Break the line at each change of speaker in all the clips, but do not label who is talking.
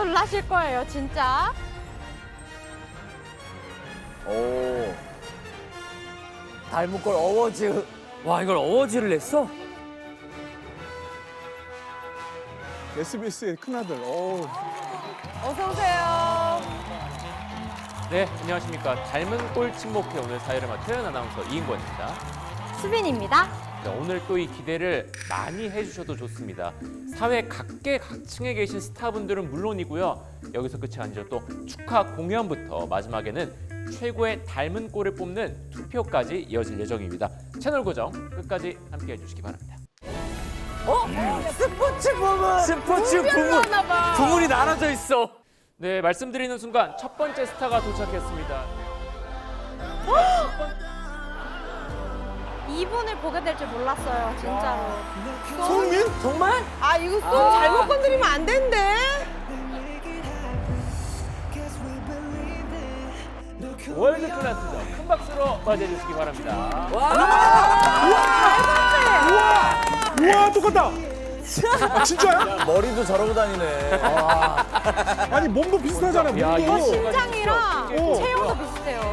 놀라실 거예요, 진짜.
오. 닮은 꼴 어워즈.
와, 이걸 어워즈를 냈어?
SBS의 큰아들.
어서 오세요.
네, 안녕하십니까. 닮은 꼴 친목회 오늘 사회를 맡은 아나운서 이인권입니다.
수빈입니다.
네, 오늘 또 이 기대를 많이 해주셔도 좋습니다. 사회 각계각층에 계신 스타분들은 물론이고요. 여기서 끝이 아니죠. 또 축하 공연부터 마지막에는 최고의 닮은 꼴을 뽑는 투표까지 이어질 예정입니다. 채널 고정 끝까지 함께해 주시기 바랍니다.
스포츠 부문.
스포츠 부문.
하나 봐.
부문이 나눠져 있어.
네, 말씀드리는 순간 첫 번째 스타가 도착했습니다.
이분을 보게 될 줄 몰랐어요, 진짜로.
손흥민?
정말?
아 이거 손 잘못 건드리면 안 된대.
월드 클래스죠. 큰 박수로 맞이해 주시기 바랍니다.
우와, 똑같다. 아, 진짜야?
머리도 저러고 다니네.
아니, 몸도 비슷하잖아,
야, 이거
몸도.
신장이랑
오.
체형도 비슷해요.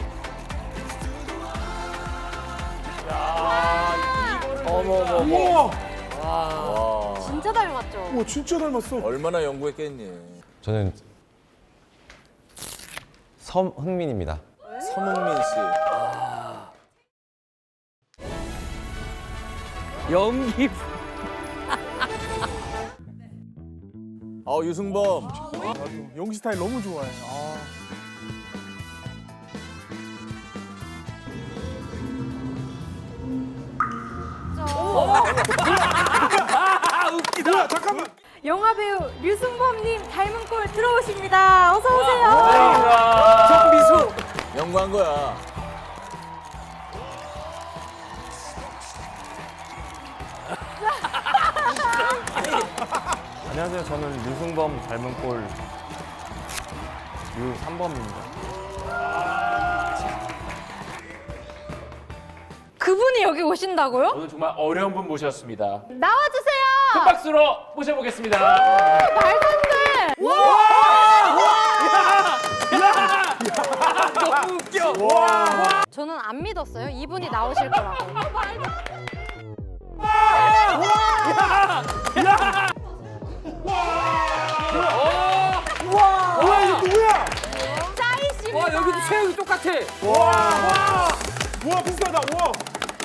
야, 이거를
어머.
우와.
와.
진짜 닮았죠?
우와, 진짜 닮았어.
얼마나 연구했겠니.
저는 서흥민입니다.
서문민 씨.
연기.
유승범.
연기 스타일 너무 좋아해.
웃기다.
뭐야, 잠깐만.
영화 배우 류승범님 닮은 꼴 들어오십니다. 어서 오세요.
반갑습니다.
정미수.
연구한 거야.
안녕하세요. 저는 류승범 닮은 꼴 류3범입니다.
그분이 여기 오신다고요?
오늘 정말 어려운 분 모셨습니다.
나와주세요.
큰 박수로 모셔보겠습니다.
말도 안 돼.
너무 웃겨.
저는 안 믿었어요. 이분이 나오실 거라고.
뭐야, 이거 누구야?
짜이씨.
와, 여기도 체형이 똑같아.
우와, 비슷하다. 우와.